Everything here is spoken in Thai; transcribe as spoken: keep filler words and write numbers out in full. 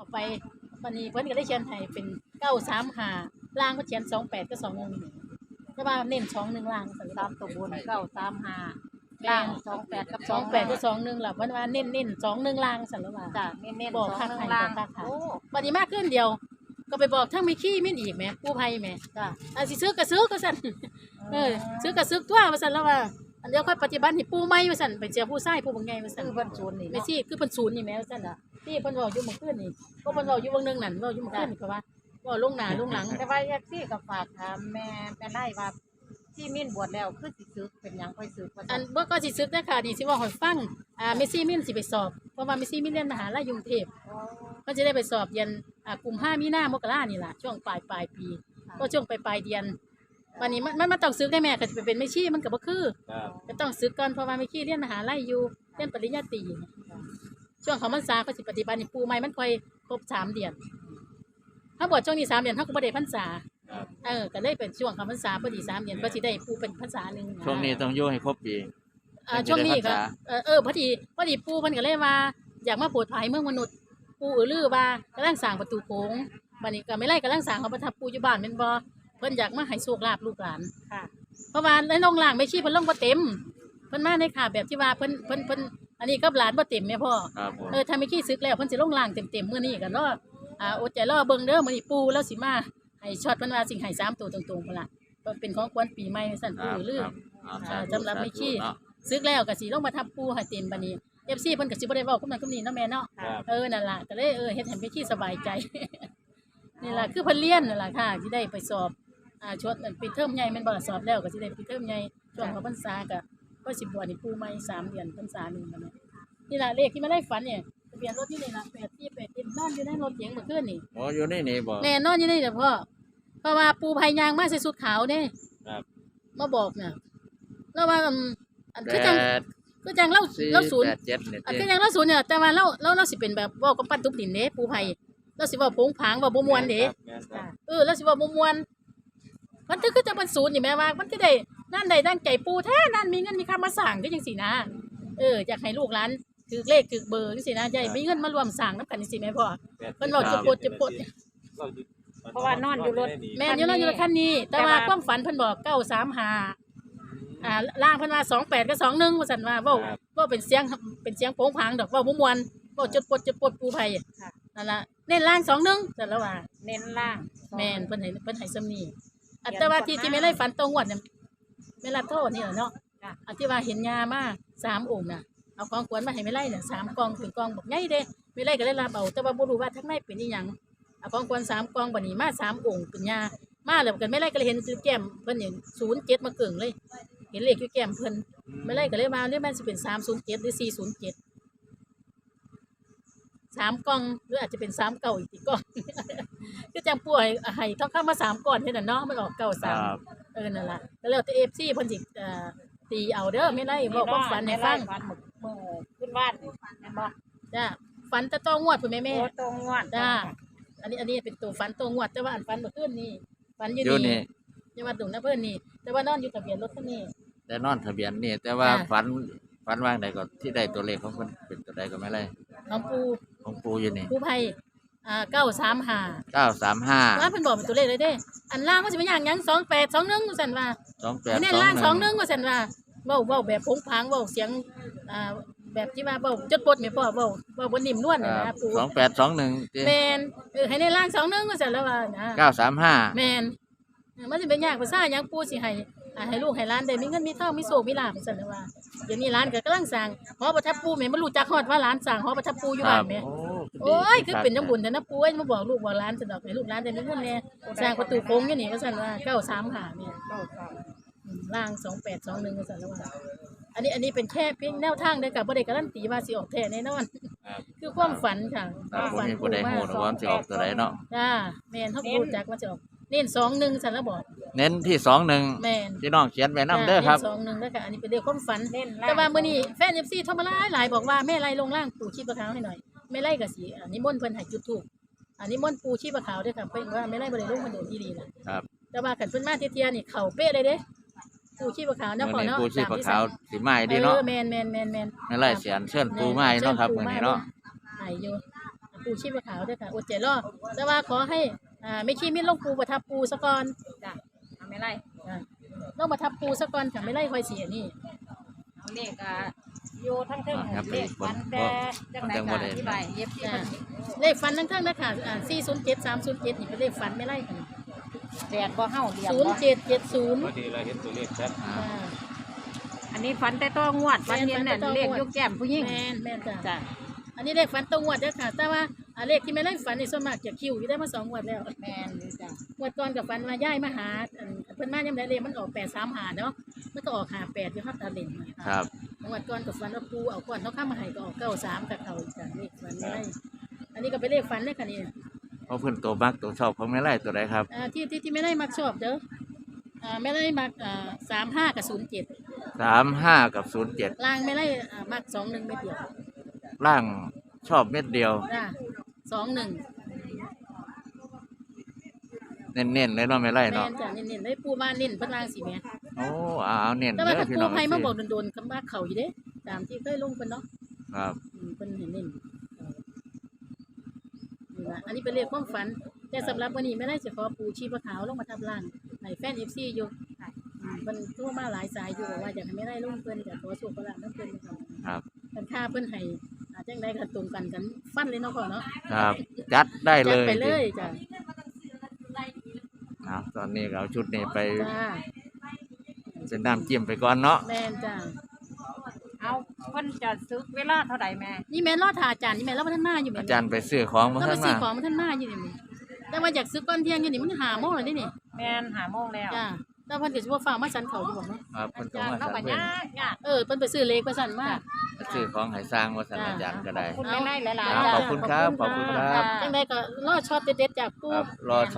ไปวันนี้เพิ่นก็ได้เขียนให้เป็นเก้าสามห้าล่างเพิ่นเขียนสองแปดกับสองหนึ่งแต่ว่าเน้นสองหนึ่งล่างซั่นตามตัวบนเก้าสามห้าล่างสองแปดกับสองแปดกับสองหนึ่งล่ะเพิ่นว่าเน้นเน้นสองหนึ่งล่างซั่นแล้วว่าจ้ะเน้นๆบอกสองคักหนึ่ให้งบล่าอง กคักค่ะโอ้บัดนี้มาขึ้นเดียว ก็ไปบอกทั้งมีขี้มิ้นอีกแหมกู้ภัยแหมจ้ะอันสิซื้อก็ซื้อก็ซั่นเออซื้อก็ซื้อตัวว่าซั่นแล้วว่าอันเดียวค่อยปฏิบัติให้ปู่ใหม่ว่าซั่นไปเจอผู้ชายผู้บ่งใหญ่ว่าซั่นคือเพิ่นศูนย์นี่แม่เนาะซี่คือเพิ่นศูนย์นี่แหมว่าซั่นน่ะที่เพิ่นเว้าอยู่เมื่อคืนนี่ก็เพิ่นเว้าอยู่เบางนึงนั่นเว้าอยู่เมื่อคืนนี่ก็ว่าเว้าลงหน้าลงหลังแต่ว่าแยกซี่ก็ฝากถามแม่แม่ไล่ว่าที่มิ้นบวชแล้วคือสิซึกเป็นหยังค่อยซึกว่าอัซั่นนบ่ก็สิซึกนะค่ะนี่สิเว้าให้ฟังอ่าเมซี่มินสิไปสอบเพราะว่าเมซี่มินเรียนมหาลัยกรุงเทพอ๋อเพิ่นสิได้ไปสอบเรียนอ่ากุมภามีนามกรานี่ล่ะช่วงปลายปลายปี ก็ช่วงปลายปลายเดือนวันนี้มันมันมันต้องซึกได้แม่ก็สิไปเป็นแม่ชีมันก็บ่คือครับก็ต้องซึกก่อนเพราะว่าแม่ชีเรียนมหาลัยอยู่เรียนปริญญาตรีช่วงเขาพรรษาก็สิปฏิบัตินี่ปู่ใหม่มันค่อยครบสามเดือนถ้าบวชช่วงนี้สามเดือนเฮาก็บ่ได้พรรษาครับเออก็เลยเป็นช่วงเขาพรรษาพอดีสามเดือนก็สิได้ปู่เป็นพรรษาหนึงะช่วงนี้ต้องอยู่ให้ครบปีอ่าช่วงนี้ก็เป็นพรรษาเออเออพอดีพอดีปู่เพิ่นก็เลยว่าอยากมาโปรดภัยเมืองมนุษย์ปู่อือลือว่ากำลังสร้างประตูโค้งบัดนี้ก็ไม่ไล่กำลังสร้างเขาประทับปู่อยู่บ้านแม่นบ่เพิ่นอยากมาให้โชคลาภลูกหลานค่ะเพราะว่าในโรงล่างไม่ชี้เพิ่นลงบ่เต็มเพิ่นมาในขาแบบที่ว่าเพิ่นเพิ่นเพิ่นอันนี้ก็หลานบ่เต็มแม่พ่อครับผมเออถ้าไม่ขี้ซึกแล้วเพิ่นสิลงล่างเต็มๆมื้อนี้ก็รออ่าอดใจรอเบิ่งเด้อมื้อนี้ปู่แล้วสิมาให้ช็อตเพิ่นว่าสิให้สามตัวตรงๆพุ่นล่ะก็เป็นของขวัญปีใหม่สั่นครัปู่บลือครับเอาอ่าธุสำหรับไม่ขี้เนาะซึกแล้วก็สิลงมาทับปู่ให้เต็มบัดนี้ เอฟ ซี เพิ่นก็สิบ่ได้เว้าคุมนั้นคุมนี้เนาะแม่เนาะครับเออนั่นล่ะก็เลยเออเฮ็ดให้ไม่ขี้สบายใจ นี่ล่ะคือเพิ่นเรียนนั่นล่ะค่ะสิได้ไปสอบอ่าชดปิดเทอมใหญ่แม่นบ่ล่ะสอบแล้วก็สิได้ปิดเทอมใหญ่ช่วงเข้าพรรษาก็ก็สิบวชนี่ปู่ใหม่สามเดือนพรรษาหนึงบัดนี้นี่ล่ะเลขที่มาได้ฝันเนี่ยทะเบียนรถที่นี่ล่ะแปดสี่แปดเจ็ดนอนอยู่ในรถเก๋งเมื่อคืนนี่โอ้อยู่นี่นี่บ่แน่นอนอยู่นี่เด้อพ่อเพราะว่าปู่พายางมาใส่ชุดขาวเด้ครับมาบอกน่ะแล้วว่าอืมอันแปคือจังดคือจังเล่าสี่เล่าศูนย์แปดเจ็ดเนี่ยอันติคือจังเล่าศูนย์เนี่ยแต่ว่าเราเราเราสิเป็นแบบเว้ากับปั้นทุบดินเด้ปู่ไผเราสิเว้าโผงผางเว้าบ่ม่วนเด้แม่นครับเออเราสิเว้าบ่ม่วนมันคือคือจังเป็นศูนย์นี่แม่ว่ามันคือได้นั่นได้ดังใจปู่แท้นั่นมีเงินมีค่ามาสร้างคือจังซี่นะเอออยากให้ลูกหลานถือเลขถือเบอร์จังซี่นะอย่าให้มีเงินมารวมสร้างนำกันจังซี่แม่พ่อ เพิ่นเว้าจะปวดจะปวดเพราะว่านอนอยู่รถแม่นอยู่นั่นอยู่ในคันนี้ แต่ว่าความฝันเพิ่นบอกเก้าสามห้าอ่าล่างเพิ่นว่าสองแปดกับสองหนึ่งว่าซั่นว่าเว้าเว้าเป็นเสียงเป็นเสียงโผงผางดอกเว้าบ่ม่วนเว้าจดปดจดปดปู่ไผค่ะนั่นล่ะเน้นล่างสองหนึ่งซั่นแล้วว่าเน้นล่างแม่นเพิ่นให้เพิ่นให้ซ้ำนี้อันแต่ว่าที่ที่ไม่ไล่ฝันตรงวดเนี่ยแม่รับโทษนี่แหละเนาะอันที่ว่าเห็นยามาสามองค์น่ะเอาของขวัญมาให้ไม่ไล่เนี่ยสามกองเป็นกองบอกใหญ่เด้ไม่ไล่ก็เลยรับเอาแต่ว่าบ่รู้ว่าทั้งในเป็นอีหยังเอาของขวัญสามกองบัดนี้มาสามองค์เป็นยามาแล้วกันไม่ไล่ก็เลยเห็นแก้มเพิ่นเห็นศูนย์เจ็ดมาเกิ่งเลย เห็นเลขอยู่แก้มเพิ่นไม่ไล่ก็เลยมาเรียกมันสิเป็นสามศูนย์เจ็ดหรือสี่ศูนย์เจ็ดสามกล่องหรืออาจจะเป็นสามเก่าอีกทีก่อน ก็จังป่วยให้ทองคำมาสามก้อนเท่านั้นเนาะมันออกเก่าคสามรับเออนั่นล่ะแล้วแล้วแต่เอฟซีเพิ่นสิเอ่อตีเอาเด้อไม่ไล่บอกความฝันให้ฟังฝันมื้อมื้อขึ้นบ้านแม่นบ่จ้าฝันแตะต้องงวดพุ่นแม่แม่โอ้ตรงงวดจ้าอันนี้อันนี้เป็นตัวฝันตัวงวดแต่ว่าอันฝันเมื่อคืนนี่ฝันอยู่อยู่นี่นี่จังหวัดดุงนะเพิ่นนี่ แต่ว่านอนอยู่ทะเบียนรถคันนี้แต่นอนทะเบียนนี่แต่ว่าจ้ะฝันฝันว่างใดก็ที่ได้ตัวเลขของเพิ่นเป็นตัวใดก็ไม่ไรน้องปูของปูอยู่นี่ปูไผอ่าเก้าสามห้าเก้าสามห้าว่าเพิ่นบอกเป็นตัวเลขเลยเด้ อันล่างมันสิเป็นหยังหยังสองแปด สองหนึ่งว่าซั่นว่าสองแปดอันนี้สองล่างหสองหนึ่นึ่งงว่าซั่นว่าเว้าเว้าแบบโผงผางเว้าเสียงอ่าแบบที่ว่าเว้าจดปดแม่พ่อเว้าเว้าบ่นิ่มนวลน่ะนะปู่สองแปดสองหนึ่งแม่นเออให้ในล่างสองหนึ่งว่าซั่นแล้วว่านะเก้าสามห้าแม่นเออมันสิเป็นยากภาษาหยังปู่สิให้อ่าให้ลูกให้หลานได้มีเงินมีทองมีโชคมีลาภว่าซั่นแล้วว่าเดี๋ยวนี้หลานก็กำลังสร้างหอประทับปู่แม่บ่รู้จักฮอดว่าหลานสร้างหอประทับปู่อยู่บ้านแม่ โอ้ยคือเป็นจังบุญแต่นะปู่เอ้ยมาบอกลูกบอกหลานสนอกให้ลูกหลานได้มีเงินแน่สร้างประตูโค้งอยู่นี่ว่าซั่นว่าเก้าสามห้าเนี่ยเก้าสามอืมล่างสองแปดสองหนึ่งว่าซั่นแล้วว่าอันนี้อันนี้เป็นแค่เพียงแนวทางเด้อค่ะบ่ได้การันตีว่าสิออกแท้แน่นอนครับคือความฝันค่ะคครับวามผมฝันมีผู้ใดฮู้นะว่ามันสิออกตัวใดเนาะจ้าแม่นเฮารู้จักว่าจะออกเน้นสองหนึ่งซั่นแล้วบอกเน้นที่สองหนึ่งแม่นพี่น้องเขียนไว้นำเด้อครับจ้าน้นสองหนึ่งเด้อค่ะอันนี้เป็นเรื่องความฝันเน้นล่างแต่ว่ามื้อนี้แฟน เอฟ ซี โทรมาหลายหลายบอกว่าแม่ไล่ลงล่างปู่ชีพขาวให้หน่อยแม่ไล่ก็สิอันนี้มนต์เพิ่นให้จุดธูปอันนี้มนต์ปู่ชีพขาวเด้อค่ะเพิ่นว่าแม่ไล่บ่ได้ลงมาโดนอีหลีน่ะครับแต่ว่าคันเพิ่นมาเที่ยๆนี่เข้าเป๊ะเลยเด้ปู่ชีพขาวเนาะพ่อมื้อนี้เนาะปูชีพตมที่ขาวสั่งสีไม้ดีเนาะออแม่นแม่นแม่นแม่นไม่ไล่เสียนเชิญปูไม้เนาะครับมื้อนี้เนาะให้อยู่ปูปูชีพขาวด้วยค่ะอดใจรอแต่ว่าขอให้อ่าไม่ขี้มินลงปูประทับปูซะก่อนจ้ะเอาไม่ไล่อ่าลงประทับปูซะก่อนค่ะไม่ไล่ค่อยเสียนี่เอาเลขอ่ะอยู่ทั้งเทิงอ่าครับเลขฟันแต่จังไหนจังบ่ก็ได้อธิบายเย็บที่อ่ามันเลขฟันทั้งทั้งนะคะอ่าสี่ศูนย์เจ็ดสามศูนย์เจ็ดนี่เป็นเลขฟันไม่ไล่ค่ะแดดบ่เฮาเดียวศูนย์บ่เจ็ดเจ็ดศูนย์พอดีเราเห็นตัวเลขชัดอ่าอ่าอันนี้ฟันแต่ต้องงวดฟันเย็นเนี่ยฟันแต่ต้องงวดเลขยกแก้มผู้หญิงแม่นแม่นจ้ะจ้ะอันนี้เลขฟันตรงงวดเด้อค่ะ แต่ว่าอ่าเลขที่ไม่ไล่ฟันนี่ส่วนมากจะคิวอยู่ได้มาสองงวดแล้วแม่นอยู่จ้ะงวดก่อนกับฟันมาย่ายมาหาอันเพิ่นมายังได้เลขมันออกแปดสามหาเนาะมันก็ออกหาแปดอยู่ครับตาเล่นมาครับงวดก่อนกับฟันว่าปูเอาก่อนเขาข้ามมาให้ก็ออกเก้าสามกับเขาอีกจ้ะเลขฟันไม่ไล่อันนี้ก็เป็นเลขฟันเลยค่ะนี่เพราะเพิ่นตัวมักตัวชอบของแม่ไร่ตัวใดครับอ่าที่ที่ที่ไม่ได้มักชอบเด้ออ่าไม่ได้มักอ่าสามห้ากับศูนย์เจ็ดสามห้ากับศูนย์เจ็ดล่างไม่ได้อ่ามักสองหนึ่งเม็ดเดียวล่างชอบเม็ดเดียวจ้าสองหนึ่งเน้นๆเลยเนาะแม่ไร่แม่เนาะนจ้ะเน้นๆได้ปูมาเน้นเพิ่นล่างสิแม่โอ้เอาเอาเน้นแต่เด้ว่าอถ้าพี่ปูน้องไผมาบอกสิโดนๆคำว่าเขาอยู่เด้ตามที่เคยลงเพิ่นเนาะครับอืมเพิ่นเห็นเน้นนี่ล่ะอันนี้เป็นเลขความฝัน แต่สำหรับวันนี้ไม่ได้จะขอปูชีพขาวลงมาทับล่างในแฟน เอฟ ซี อยู่อืมเพิ่นโทรมาหลายสายอยู่บอกว่าอยากให้ไม่ได้ลงเพิ่นจะขอโชคขอลาภนำเพิ่นนะครับครับกันค่าเพิ่นให้อาจังไดก็ตรงกันกันฟันเลยเนาะพ่อเนาะครับจัดได้เลจัดยไปเลยจ้ะเอาตอนนี้ก็เอาชุดนี้ไปจ้าเป็นน้ำจิ้มไปก่อนเนาะแม่นจ้าเอาเพิ่นจะซึกเวลาเท่าใดแม่นี่แม่นรอดทาอาจารย์นี่แม่นรอดพัฒนาอยู่แม่อาจารย์ไปซื้อของมาต้องไปข้างหซื้อน้าของมาท่านมาอยู่นี่แม่แต่ว่าอยากซื้อก้อนเที่ยงอยู่นี่มันหาโมงแล้วนี่นี่แม่นหาโมงแล้วจ้าแต่เพิ่นก็สิบ่ฟ้ามาสันเขาอยู่บ่เนาะครับเพิ่นก็จ้ะมาเราสั่งก็เพิ่นยากยากเออเพิ่นไปซื้อเลขไปสั่นมาไปซื้อของให้สร้างว่าสั่นอาจารย์ก็ได้ขอบคุณแม่ไล่หลายครับๆขอบคุณครับขอบคุณครับจังไดก็รอช็อตเด็ดๆจากคปู่รับรอ